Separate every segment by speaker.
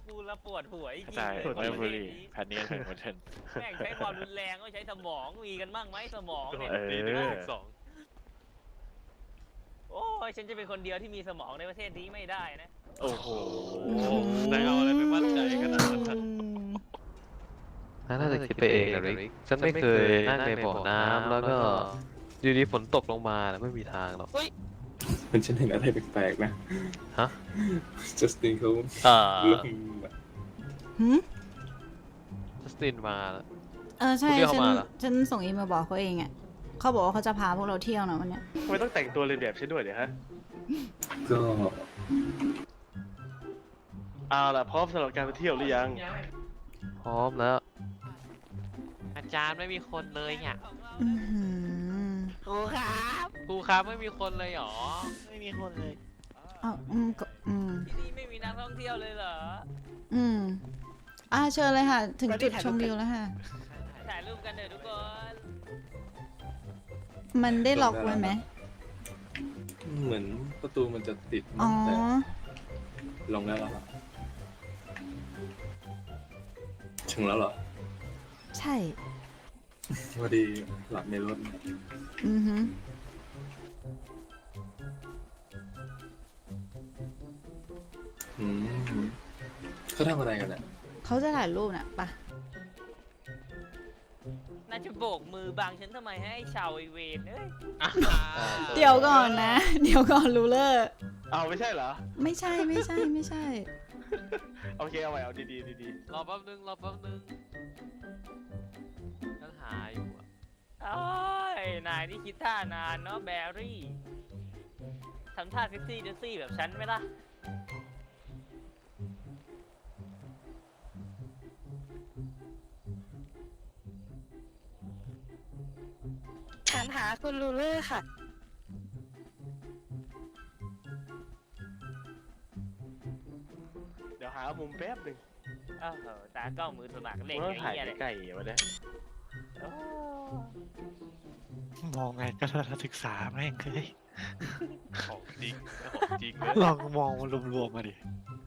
Speaker 1: พูดแล้วปวดหัวจริง
Speaker 2: ใช่
Speaker 1: เลย
Speaker 2: ไม่บุรีแพนเนียนเหมือนกัน
Speaker 1: แม่งใช้ความรุนแรงก็ใช้สมองมีกันบ้างไหมสมองเนี่ย
Speaker 2: เออ
Speaker 1: โอ้ยฉันจะเป็นคนเดียวที่มีสมองในประเทศนี้ไม่ได้นะ
Speaker 2: โอ้โห
Speaker 3: นายเอาอะไรไปมั่นใจขนาดนั้น
Speaker 4: น่าจะคิดไปเองนะริกฉันไม่เคยนั่งในบ่อน้ำแล้วก็อยู่ดีฝนตกลงมาแล้วไม่มีทางหรอก
Speaker 5: มันฉันเห็นอะไรแปลกๆนะ
Speaker 4: ฮะ
Speaker 5: จัสตินเขา
Speaker 4: หืม จัสตินมาแล้ว
Speaker 6: ใช่
Speaker 4: คุณเรียกเขา
Speaker 6: ฉัน
Speaker 4: มาเหรอ
Speaker 6: ฉันส่งอีเมลบอกเขาเองอ่ะเขาบอกว่าเขาจะพาพวกเราเที่ยวนะวันเนี้ย
Speaker 2: ทำไมต้องแต่งตัวเรียนแบบฉันด้วยเนี่ยฮะ
Speaker 5: ก็
Speaker 2: เอาล่ะพร้อมสำหรับการไปเที่ยวหรือยัง
Speaker 4: พร้อมแล้ว
Speaker 3: อาจารย์ไม่มีคนเลยอ่ะ
Speaker 6: อื้อหือ
Speaker 3: ครูครับไม่มีคนเลยหรอไม่มีคนเลย
Speaker 6: เอาก็
Speaker 1: ที่นี่ไม่มีนักท่องเที่ยวเลยเหรอ
Speaker 6: เชิญเลยค่ะ ถึงจุดชมวิวแล้วค่ะ
Speaker 1: ถ่ายรูปกันเถอะทุกคน
Speaker 6: มันได้ล็อกไว้ไหม
Speaker 5: เหมือนประตูมันจะติด
Speaker 6: อ๋อ
Speaker 5: แต่ลงแล้วเหรอครับถึงแล้วเหรอ
Speaker 6: ใช่
Speaker 5: พอดีหลับในรถ
Speaker 6: อือหือ
Speaker 5: อืมเขาทำอะไรกันอ่ะ
Speaker 6: เขาจะถ่ายรูปน่ะปะ
Speaker 1: น่าจะโบกมือบังฉันทำไมให้ไอ้ชาวไอเวนเอ้ย
Speaker 6: เดี๋ยวก่อนนะ เดี๋ยวก่อนรูเลอร์
Speaker 2: เอาไม่ใช่เหรอ
Speaker 6: ไม่ใช่ไม่ใช่ไม่ใช่
Speaker 2: โอเคเอาใหม่เอาดีๆดี
Speaker 3: รอแป๊บนึงฉันหาอยู่อะ
Speaker 1: โอ้ยนายนี่คิดท่านานเนาะแบรี่ทำท่าเซ็กซี่เดซี่แบบฉันไหมล่ะ
Speaker 7: ฉันหาคุณลูเลอร์ค่ะ
Speaker 2: ๆเดี๋ยวหามุมแป๊บหนึ่ง
Speaker 1: โอ้โหตากล้องมือสมัครเล่น
Speaker 2: ว่า
Speaker 1: อย่าง
Speaker 2: ถ่าย
Speaker 1: เงี้ยเลย
Speaker 2: ใกล้ๆวะเนี่ย
Speaker 1: โอ้
Speaker 8: มองไงก็ทัศนศึกษาแม่งเลย
Speaker 3: ของจริงของจริงเลย
Speaker 8: ลองมองมันรวมๆมาดิ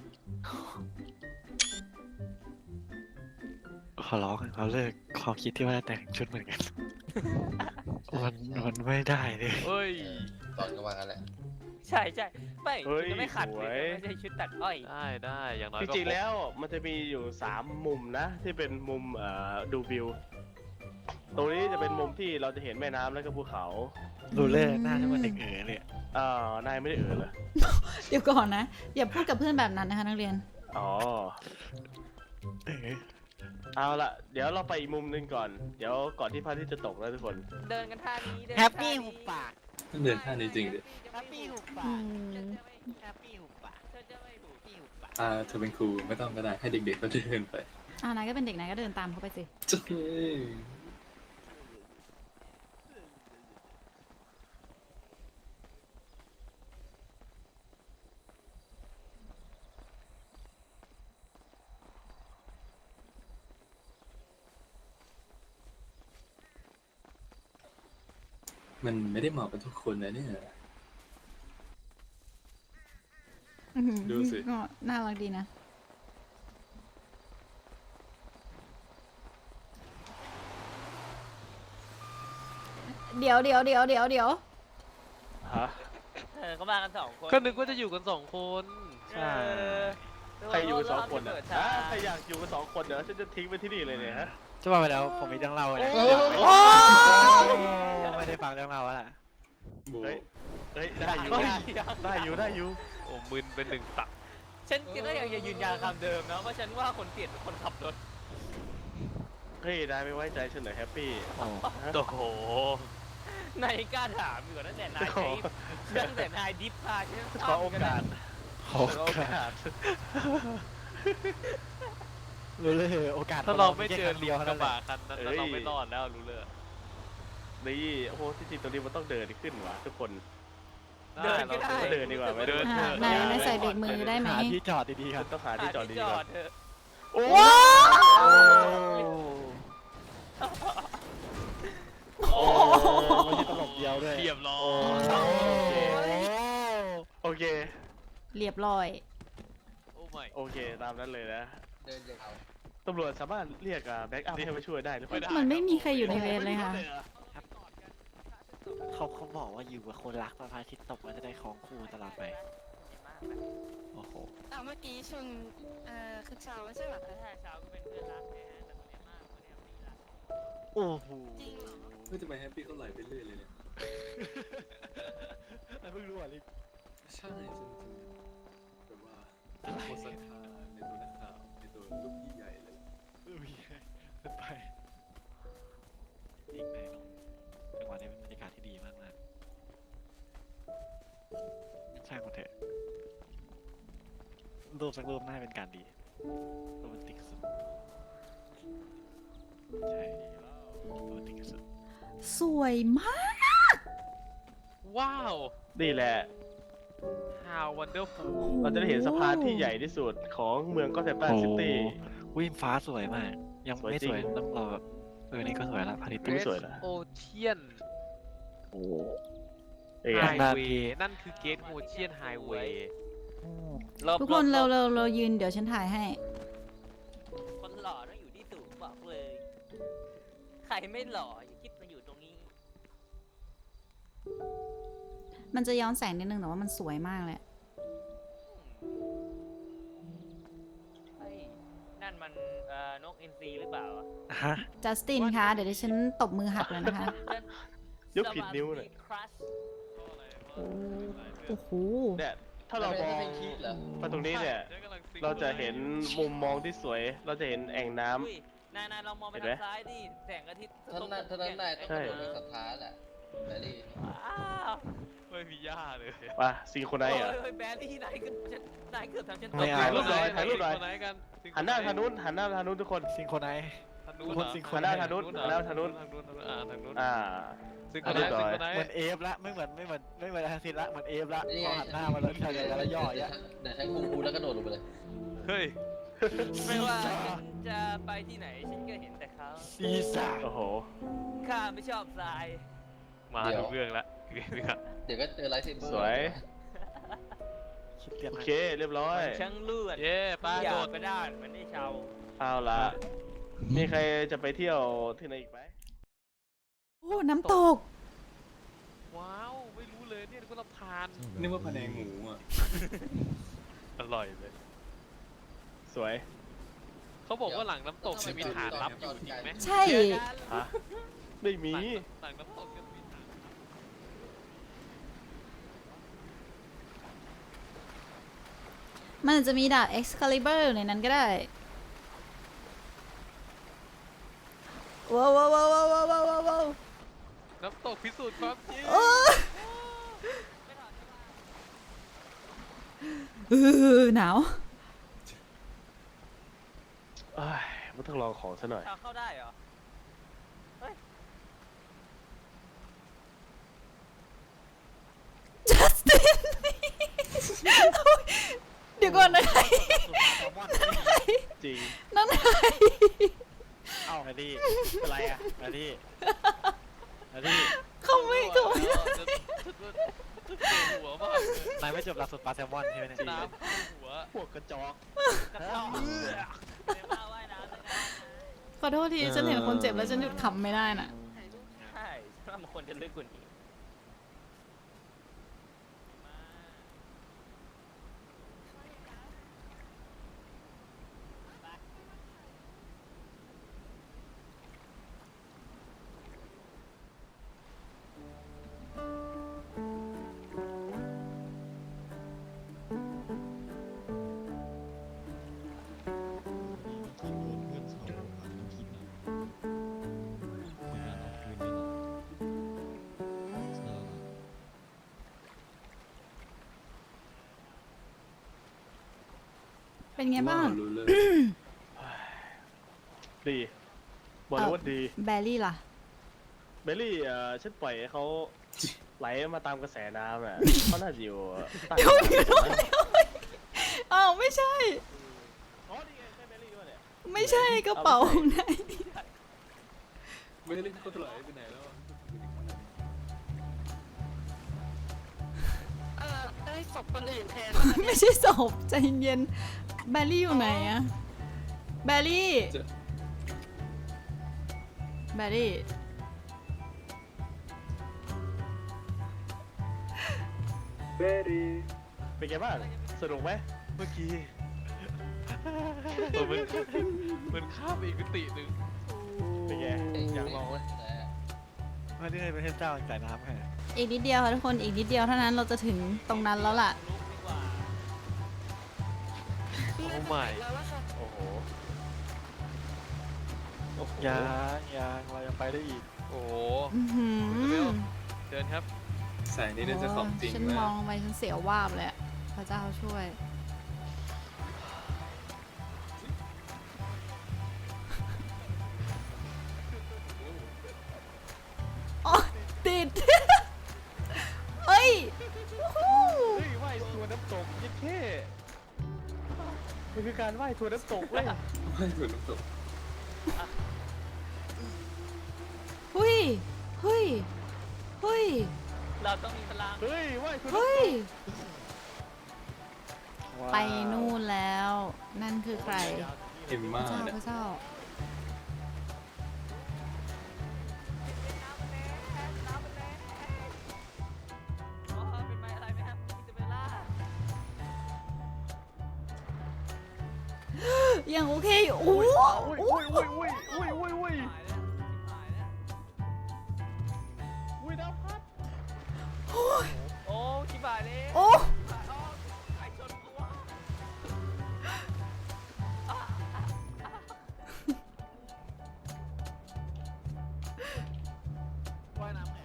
Speaker 8: ขอร้องเราเลิกความคิดที่ว่าจะแต่งชุดเหมือนกัน มันไม่ได้เลย
Speaker 3: เฮ้ย
Speaker 9: ตอนก็ว่างั้นแหละ
Speaker 1: ใช่ใช่ไม่
Speaker 2: เฮ้ย
Speaker 1: จะไม่ขัด
Speaker 2: ส
Speaker 1: เล
Speaker 2: วย
Speaker 1: ยไม่ใช่ชุดตัดอ้อย
Speaker 3: ได้อย่างน้อย
Speaker 2: จ
Speaker 3: ก็
Speaker 2: ริงๆแล้วมันจะมีอยู่3มุมนะ ที่เป็นมุมดูวิว ตรงนี้จะเป็นมุมที่เราจะเห็นแม่น้ำแล้วก็ภูเขา
Speaker 8: รูเลอร์หน้าที่มันเด็กเลย
Speaker 2: นายไม่ได้เหรอ
Speaker 6: เดี๋ยวก่อนนะ อย่าพูดกับเพื่อนแบบนั้นนะคะนักเรียน
Speaker 2: อ๋อ
Speaker 8: เออ
Speaker 2: เอาละเดี๋ยวเราไปอีกมุมหนึงก่อน เดี๋ยวก่อนที่พระอาทิตย์จะตกนะทุกคน
Speaker 1: เดินกันท่านี้เดิน
Speaker 7: แฮปปี้
Speaker 1: ท่านี้
Speaker 7: หุบปาก
Speaker 5: เดินท่านี้จริงดิ
Speaker 7: แฮปปี้หุบปา
Speaker 6: อื
Speaker 7: ก
Speaker 6: ม
Speaker 7: แฮปปี้หุบปาก
Speaker 1: เธอจะไม่ถูก
Speaker 7: ปี้หุบปาก
Speaker 5: เธอเป็นครูไม่ต้องก็ได้ให้เด็กๆเขาเดินไป
Speaker 6: นายก็เป็นเด็กนายก็เดินตามเขาไปสิ
Speaker 5: เจ้ยมันไม่ได้เหมาะกับทุกคนนะเนี่ย
Speaker 6: อื้อหือ
Speaker 5: ดูสิ
Speaker 6: ก็น่ารักดีนะ เดี๋ยว
Speaker 2: ฮะ
Speaker 1: เขามากัน2 คน
Speaker 3: ก็นึกว่าจะอยู่กัน2 คน
Speaker 1: ใช่
Speaker 2: ใครอยู่กัน2 คนอ่ะใครอยากอยู่กัน2 คนเดี๋ยวฉันจะทิ้งไปที่นี่เลยเนี่ยฮะ
Speaker 8: จะว่าไปแล้วผมมีเรื่องเล่าเลย
Speaker 6: โอ้
Speaker 8: ไม่ได้ฟังเรื่องเล่าแล้วล่ะ
Speaker 5: บู
Speaker 2: เฮ้ย ได้อยู่ ได้อยู่
Speaker 3: โอ้มึนเป็น1 ตัก
Speaker 1: ฉันก็ยังจะยืนยันคำเดิมนะว่าฉันว่าคนเปลี่ยนเป็นคนขับรถ
Speaker 2: เฮ้ยนายไม่ไว้ใจฉันเหรอแฮปปี้
Speaker 3: โอ้โห
Speaker 1: นายกล้าถามอยู่ตั้งแต่นายใช้ตั้งแต่นายดิฟพาฉัน
Speaker 2: ขอโอกาส
Speaker 8: โอกาสรูเลอร์โอกาส
Speaker 3: ถ้าเราไม่เจอ
Speaker 8: เดียวเท่า
Speaker 3: ก
Speaker 8: นั้
Speaker 3: ระ
Speaker 8: นแห
Speaker 3: บะ
Speaker 8: ละ
Speaker 3: คันนั้นเราไม่รอดแล้วรู้เลย
Speaker 2: นี่โอ้โหที่จริงตรงนี้มันต้องเดินขึ้นว่ะทุกคน
Speaker 1: เดินก็ได้
Speaker 2: เดินดีกว่าไหม
Speaker 3: เดิน
Speaker 6: นายใส่เบรกมือได้ไหม
Speaker 8: หาที่จอดดีๆค
Speaker 2: ฉั
Speaker 8: รับ
Speaker 2: นต้องหาที่จอดดี
Speaker 1: จ
Speaker 2: ก่
Speaker 1: อ
Speaker 2: อ
Speaker 1: ด
Speaker 2: น
Speaker 1: เถอะ
Speaker 2: โอ้
Speaker 6: ว้าว
Speaker 2: โอ้
Speaker 8: ไม่ใช่ตลบเดียวด้วย
Speaker 3: เรียบร้อย
Speaker 2: โอเค
Speaker 6: เรียบร้อย
Speaker 3: โอ้ my ไม่
Speaker 2: โอเคตามนั้นเลยนะ
Speaker 5: เดินยาว
Speaker 2: ตำรวจสามารถเรียกแบ็กอัพให้มาช่วยได้หรือเปล่า
Speaker 6: มันไม่มีใครอยู่ในเวรเลยค่ะ
Speaker 8: เขาบอกว่าอยู่กับคนรักพระอาทิตย์ตกมันจะได้ครองคู่ตลอดไป โอ้โห
Speaker 7: เมื่อกี้ชนคือเช้าไม่ใช่เหรอคะ
Speaker 1: ถ้าเช้าก็เป็นเพื่อนรักนะฮะแต่คนนี้มากคนนี้ไม่รัก
Speaker 8: โอ้โห
Speaker 7: จริงเหรอ
Speaker 5: เฮ้ยทำไมแฮปปี้เขาไหลไปเรื่อยเลยเนี่ย
Speaker 8: เพิ่งรู้อ่ะลิ
Speaker 5: ใช่ฉันแบบว่าโคตรศรัทธาในตัวนักข่าวในตัวลูกพี่ใหญ่เลย
Speaker 8: เป็นไปอีกในจังหวะนี้เป็นบรรยากาศที่ดีมากๆช่างมันเถอะรูปสักรูปน่าเป็นการดีโรแมนติกสุดใช่โรแมนติกสุด
Speaker 6: สวยมาก
Speaker 3: ว้าว
Speaker 2: นี่แหละ
Speaker 3: how wonderful
Speaker 2: เราจะได้เห็นสะพานที่ใหญ่ที่สุดของเมืองก็อตแทมตันซิตี้
Speaker 8: วิมฟ้าสวยมาก ยัง
Speaker 2: สวย
Speaker 8: ไม่
Speaker 2: จริ
Speaker 8: ส
Speaker 2: ง
Speaker 8: วยต้องรอแบบนี่ก็สวยละพาริต
Speaker 2: ดูสวยนะ
Speaker 3: Ocean
Speaker 2: โอ้เอ้ย
Speaker 3: Highway นั่นคือ Gate Ocean Highway
Speaker 6: ทุกคนเรายืนเดี๋ยวฉันถ่ายให้
Speaker 1: คนหล่อต้องอยู่ที่สูงบอกเลย ใครไม่หล่ออย่าคิดมาอยู่ตรงนี้
Speaker 6: มันจะย้อนแสงนิดนึงแต่ว่ามันสวยมากเลย
Speaker 1: เฮ้ย นั่นมันนกอินทรีหรือเปล่าอะ
Speaker 8: ฮะ
Speaker 6: จัสตินคะ เดี๋ยวดิฉันตบมือหักเลยนะคะ
Speaker 2: ยกผิดนิ้วเลย
Speaker 1: ครัช
Speaker 6: โอ้โห
Speaker 2: เนี่ยถ้าเรามอง
Speaker 5: ไม่คิดเหรอ
Speaker 2: มาตรงนี้เนี่ย เราจะเห็นมุมมองที่สวย เราจะเห็นแอ่งน้ำ
Speaker 1: อุ้ยนายลองมองไป
Speaker 2: เห็นไหม
Speaker 1: ทางซ้ายดิ แสงอาทิตย์
Speaker 5: ท่านนายต้องกระโดดด้วยศรัทธาแหละแบรี่
Speaker 1: อ้าว
Speaker 3: ไม่มีหญ้าเลย
Speaker 2: ป่ะซีโคนไนท์เหรอ
Speaker 1: โอ้ยแบรรี่นายเกือบทำฉันต
Speaker 8: ไม่
Speaker 1: ก
Speaker 8: เอา
Speaker 2: ถ่ายรูปหน่อยถ่ายรูปหน่อย
Speaker 3: ไหนกัน
Speaker 2: หันหน้าทางนู้นหันหน้าทางนู้นทุกคน
Speaker 8: ซิงโครไนซ์
Speaker 3: ทางนู้น
Speaker 8: คนสิงค
Speaker 2: หันหน้าทางนู้นหันหน้าทางนู้น
Speaker 3: ทางนู้นทางนู้น
Speaker 2: อ่า
Speaker 3: ซิงโครไนซ์ซิงโครไน
Speaker 8: เหมือน
Speaker 3: ซ์
Speaker 8: เอฟละไม่เหมือนอาซิตละเหมือนเอฟละพอหันหน้ามาแล้วทะเลแล้วย่ออย่างเงี้ย
Speaker 5: เดี๋ยวใช้คุงคูแล้วกระโดดลงไปเลย
Speaker 3: เฮ้ย
Speaker 1: ไม่ว่าฉันจะไปที่ไหน ฉันก็เห็นแต่เขา
Speaker 8: ซีซ่า
Speaker 2: โอ้โห
Speaker 1: ข้าไม่ชอบทราย
Speaker 3: มาดูเรื่องละเรื่องละ
Speaker 5: เดี๋ยวก็เจอไลท์เซเบอร์
Speaker 2: สวย
Speaker 8: คิดเรียบ
Speaker 2: โอ
Speaker 8: ร้อย
Speaker 2: เคเรียบร้อย
Speaker 1: ช่างเลือด
Speaker 3: เย้ป้า
Speaker 1: อยา
Speaker 3: โด
Speaker 1: ก
Speaker 3: ด
Speaker 1: ไปด้านมันได้ชาว
Speaker 2: เอาละมีใครจะไปเที่ยวที่ไหนอีกไหม
Speaker 6: โอ้ น้ำตก
Speaker 3: ว้าวไม่รู้เลยเนี่ยก็ลำพาน
Speaker 5: นึกว่าพะแนงหมูอ่ะ
Speaker 3: อร่อยเลย
Speaker 2: สวย
Speaker 3: เขาบอกว่าหลังน้ำตกจะมีฐานลับอยู่จริงไหม
Speaker 6: ใช่
Speaker 2: ฮะไม่มี
Speaker 3: หลังน้ำตกจะมีฐาน
Speaker 6: มันอาจจะมีดาบ Excalibur อยู่ในนั้นก็ได้ ว้าวว้าวว้าวว้าวว้าวว้าว
Speaker 3: น้ำตกพิสูจน์ความจริง
Speaker 6: โอ้หนาว
Speaker 2: เอ้ยมันต้องลองของซะหน่อย
Speaker 1: ทางเข้าได้เหรอ
Speaker 6: จัสติน เดี๋ยวก่อนนะใคร
Speaker 2: จริง
Speaker 6: นั่นใคร
Speaker 8: เอ้ามาดิอะไรอ่ะมาดิมาดิ
Speaker 6: เขาไม่เขาไม่
Speaker 3: จะหัวมากเลย
Speaker 8: นายไม่จบหลักสูตรปลาแซลมอนใช่ไหมเนี่ย
Speaker 3: น้ำเข้าหัว
Speaker 2: พวกกระจอก
Speaker 1: กระต้องเรียกว่าว่ายน้ำเลยนะ
Speaker 6: ขอโทษที ฉันเห็นคนเจ็บแล้วฉันหยุดขำไม่ได้น่ะ
Speaker 1: ใช่ฉันว่ามันควรจะลึกกว่านี้
Speaker 6: เป็นไงบ้าง
Speaker 5: รู้เลย
Speaker 2: ดีบอกเลยว่าดี
Speaker 6: แบรี่ล่ะ
Speaker 2: เบลลี่ฉันปล่อยให้เขาไหลมาตามกระแสน้ำอ่ะ เขาน่าจะอยู่ใต้
Speaker 6: เดี๋ยวอ้าวไม่ใช่
Speaker 2: อ๋อนี่ไงใช่เบลลี่ด้วยเนี่ย
Speaker 6: ไม่ใช่กระเป๋าไหน
Speaker 5: ไม่ได้เล่นเขาไหลไปไหนแล้วอะ
Speaker 7: ได้ศพคนอื่นแทน
Speaker 6: ไม่ใช่ศพใจเย็นแบลลี่อยู่ไหนอะแบลลี่ แบลลี่
Speaker 5: เบรี่
Speaker 2: เป็นไงบ้างสนุกไหมเมื่อกี้
Speaker 3: มันข้ามไปอีกมิติหนึ่ง
Speaker 2: เป็นไงอยากลองไหม
Speaker 8: ไม่ได้เป็นเทพเจ้าจ่ายน้ำให้
Speaker 6: อีกนิดเดียวค่ะทุกคนอีกนิดเดียวเท่านั้นเราจะถึงตรงนั้นแล้วล่ะ
Speaker 1: ลุกดีกว่า
Speaker 3: โอ้ไม่
Speaker 7: แล้วล่ะค่ะ
Speaker 2: โอ้โห
Speaker 8: ยังเรายังไปได้อีก
Speaker 3: โอ้โห
Speaker 6: อื้อหือ
Speaker 3: เดินครับ
Speaker 5: แสงนี้น่าจะของจริง
Speaker 6: ฉัน
Speaker 5: นะ
Speaker 6: มองลงไปฉันเสียววาบเลยอะพระเจ้าช่วย อ๋อติด เฮ้ยวู้ฮู้
Speaker 2: เฮ้ยว่ายทัวร์น้ำตกยิ่งเท่มันคือการว่ายทัวร์น้ำตกเว้ย
Speaker 5: ไม่เหมือนน้ำตก
Speaker 6: เฮ้ยเฮ้ยเฮ้ย
Speaker 1: เราต้องมีพลัง
Speaker 2: เฮ้ยว่ายทัวร์น้ำต
Speaker 6: เฮ้ย
Speaker 2: ก
Speaker 6: ไปนู่นแล้ว นั่นคือใคร
Speaker 5: เอ็ม
Speaker 6: พ
Speaker 5: ม่า
Speaker 6: ระเจ้า
Speaker 5: เนี่ย
Speaker 6: พระเจ้า
Speaker 1: อ๋อเป็นไม้อะไรไหมครับอิซาเบลล่า
Speaker 6: ยังโอเคอยู่โอ้โห
Speaker 2: อุ้ยอุ้ยอุ้ยอุ้ยอุ้ยอุ้ย
Speaker 1: หายแล้วหายแล้ว
Speaker 2: อุ้ยน้ำพัด
Speaker 1: โอ้ชิบหายเลย
Speaker 6: โอ้
Speaker 1: ชิบหายอ๋อไอชนกูวะ
Speaker 2: ว่ายน้ำไง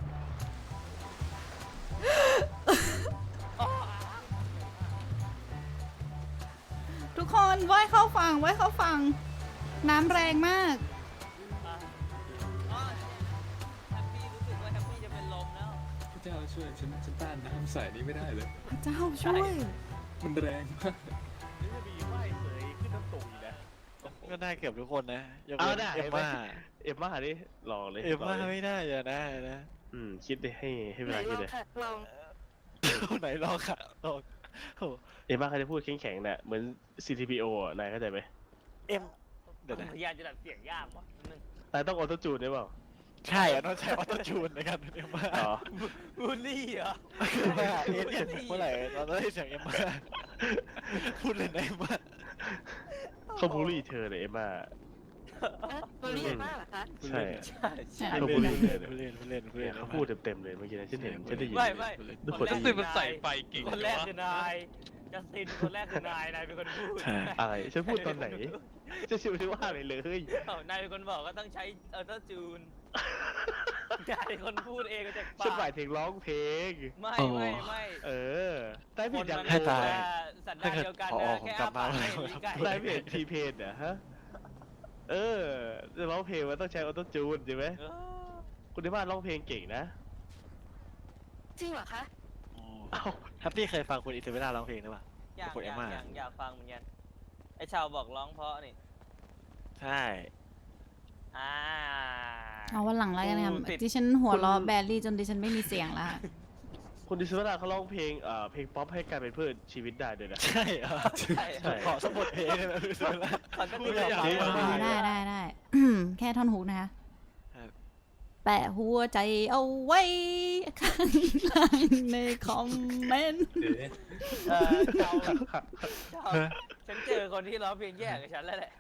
Speaker 6: ทุกคนว่ายเข้าฝั่งว่ายเข้าฝั่งน้ำแรงมาก
Speaker 1: อ๋อแฮปปี้รู้สึกว่าแฮปปี้จะเป็นลมแล้ว
Speaker 5: พระเจ้าช่วยฉันต้านน้ำใสนี้ไม่ได้เลย
Speaker 6: พระเจ้าช่วย
Speaker 5: มันแรงมาก
Speaker 2: นี่จะมีว่ายเสยขึ้นน้ำตกอีกนะ
Speaker 8: ก็ได้เกือบทุกคนนะยก
Speaker 2: เอา
Speaker 8: เว้น
Speaker 2: ได้
Speaker 8: เอ็มม่า
Speaker 2: เอ็มม่าดิลองเลย
Speaker 8: เอ็มม่า
Speaker 2: ลงลย
Speaker 8: ไม่ได้อย่าได้นะ
Speaker 2: คิดดิให้เว
Speaker 7: ไหน
Speaker 2: ลา
Speaker 7: ล
Speaker 2: คิ
Speaker 7: อ
Speaker 2: ด
Speaker 7: ง
Speaker 2: เลย
Speaker 7: ค่ะลอง
Speaker 8: ไหนลองค่ะลองโอ้
Speaker 2: เอ็มม่าเขาจะพูดแข็งๆเนี่ยเหมือน CTPO อ่ะนายเข้าใจไหม
Speaker 8: เอ็มเดี๋ยวนะ
Speaker 1: พยายามจะดัดเสียงยากว่ะนึง
Speaker 2: นายต้องออโต้จูนได้เปล่า
Speaker 8: ใช่อะต้องใช้ออโต้จูนในการเป็นเอ็มม่า
Speaker 2: อ๋อ
Speaker 1: บูลลี่เหรอ
Speaker 8: คือว่าเมื่อไหร่เราได้เสียงเอ็มม่าพูดเลยนะเอ็มม่า
Speaker 2: เขาบูลลี่เธอเลยเอ็มม่า
Speaker 7: ตัวเรียนมากเหรอคะ
Speaker 2: ใช่
Speaker 1: ใช่ใช่
Speaker 2: เขาบูลลี่เธอเลย
Speaker 8: ผู้เล่นผู้เล่นผู้เล่น
Speaker 2: เขาพูดเต็มๆเลยเมื่อกี้นะฉันเห็นฉันได้ยิน
Speaker 1: ไม่ไม่
Speaker 2: ทุกคน
Speaker 1: แร
Speaker 2: ได้
Speaker 1: ก
Speaker 2: ยิ
Speaker 3: ซึ่
Speaker 2: น
Speaker 3: งมันใส่ไฟเก่ง
Speaker 1: คนแรกคือนายจัสตินคนแรกคือนายเป็นคนพูด
Speaker 8: ใช่
Speaker 2: อะไรฉันพูดตอนไหนจะชิวชิวว่าอะไรเลย
Speaker 1: นายเป็นคนบอกก็ต้องใช้ออโต้จูนนายเป็นคนพูดเองก็จาก
Speaker 2: ฉันห
Speaker 1: ปาม
Speaker 2: าก ยถึงร้องเพลง
Speaker 1: ไม่ไม่
Speaker 2: เออได้ผิดอย่าง
Speaker 8: ให้ตาย
Speaker 1: สันดานเดียวกัน
Speaker 8: พอ
Speaker 1: นะ
Speaker 8: ผม
Speaker 1: แค่
Speaker 8: กลั
Speaker 1: อ้า
Speaker 8: บมา
Speaker 1: ปากให้ลิ้นไก่
Speaker 2: ได้ผิดทีเพนเหรอฮะจะร้องเพลงมันต้องใช้ออโต้จูนใช่ไหม
Speaker 1: เออ
Speaker 2: คุณที่บ้านร้องเพลงเก่งนะ
Speaker 7: จริงเหรอคะ
Speaker 2: เอ้า
Speaker 8: แฮปปี้เคยฟังคุณอิสเบล่าร้องเพลงหรือเปล่า
Speaker 1: อยาก
Speaker 8: กด
Speaker 1: อ
Speaker 8: เอ็
Speaker 1: ยาม ก
Speaker 8: ม่า
Speaker 1: อยากฟังเหมือนกันไอชาวบอกร้องเพราะนี่
Speaker 8: ใช่
Speaker 6: เอาวันหลังแล้วกันนะครับดิฉันหัวเราะแบลลี่จนดิฉันไม่มีเสียงแล้วค่ะ
Speaker 2: คุณดิสเวลาเขาร้องเพลงเพลงป๊อปให้กลายเป็นเพื่อนชีวิตได้ด้วยนะ
Speaker 8: ใช่เหรอ
Speaker 1: ใช่
Speaker 2: ใช่
Speaker 8: ขอสมบทเพลงได้ไหมอิสเบล่า
Speaker 1: ตอนก็
Speaker 8: พู
Speaker 1: ตี
Speaker 8: ด
Speaker 1: อ
Speaker 8: ไม่
Speaker 1: อก
Speaker 8: อยาก
Speaker 1: มา
Speaker 8: ได้
Speaker 6: ได้ แค่ท่อนฮุกนะคะ
Speaker 8: ครับ
Speaker 6: แปะหัวใจเอาไว้ข้างล่างในคอมเมนต์
Speaker 5: เดี๋ยว
Speaker 1: ชาวฉันเจอคนที่ร้องเพลงแย่กับฉันแล้วแหละ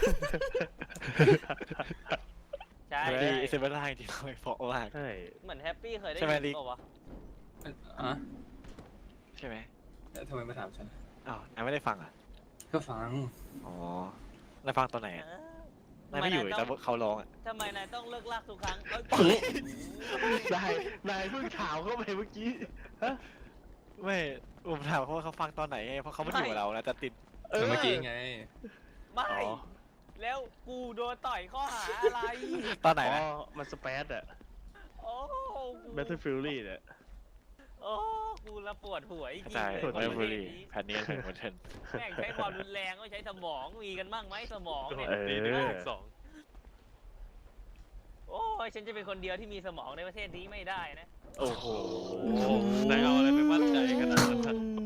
Speaker 1: ใช่
Speaker 8: แฮปปี้อิสเบล่าจริงๆร้องเพราะมาก
Speaker 2: ใช่
Speaker 1: เหมือนแฮปปี้เคยได้
Speaker 8: ใช่ไหม
Speaker 1: ยิ
Speaker 8: ลิ
Speaker 1: น
Speaker 8: ก
Speaker 1: เปล่าวะ
Speaker 5: อ่ะ
Speaker 8: ใช่ไหม
Speaker 5: ทำไมมาถามฉัน
Speaker 8: อ้าวนายไม่ได้ฟังอ่ะ
Speaker 5: ก็ฟัง
Speaker 8: อ๋อนายฟังตอนไหนอ่ะ
Speaker 1: เออน
Speaker 8: ายไม่อยู่แต่เขาร้องอ่ะ
Speaker 1: ทำไมนายต้องเลิกลากทุกครั้งเอ้ย
Speaker 2: นายเพิ่งถามเข้าไปเมื่อกี้ฮะ
Speaker 8: ไม่ผมถามเขาว่าเขาฟังตอนไหนไงเพราะเขาไม่อยู่กับเรานะแต่ติด
Speaker 5: เมื่อกี้ไง
Speaker 1: ไม่
Speaker 2: อ๋อ
Speaker 1: แล้วกูโดนต่อยข้อหาอะไร
Speaker 8: ตอนไหน
Speaker 2: อ๋อ
Speaker 8: นะ
Speaker 2: มันสเปซอะ
Speaker 1: โอ้กู
Speaker 2: Battle Fury เนี่ย
Speaker 1: โอ้กูละปวดหัวจริงๆ
Speaker 8: ใช่
Speaker 1: เลย
Speaker 8: ไม่
Speaker 1: คน
Speaker 8: บุ
Speaker 1: ประ
Speaker 8: รี
Speaker 1: เภทนี้
Speaker 8: แผ่นนี้เป็นคนเทน
Speaker 1: แม่งใช้ความรุนแรงก็ใช้สมองมีกันบ้างไหมสมองเนี่ย
Speaker 3: ตีหนึ่งถึงสอง
Speaker 1: โอ้ยฉันจะเป็นคนเดียวที่มีสมองในประเทศนี้ไม่ได้นะ
Speaker 2: โอ้โห
Speaker 3: นายเอาอะไรไปมั่นใจขนาดนั้น
Speaker 6: อืม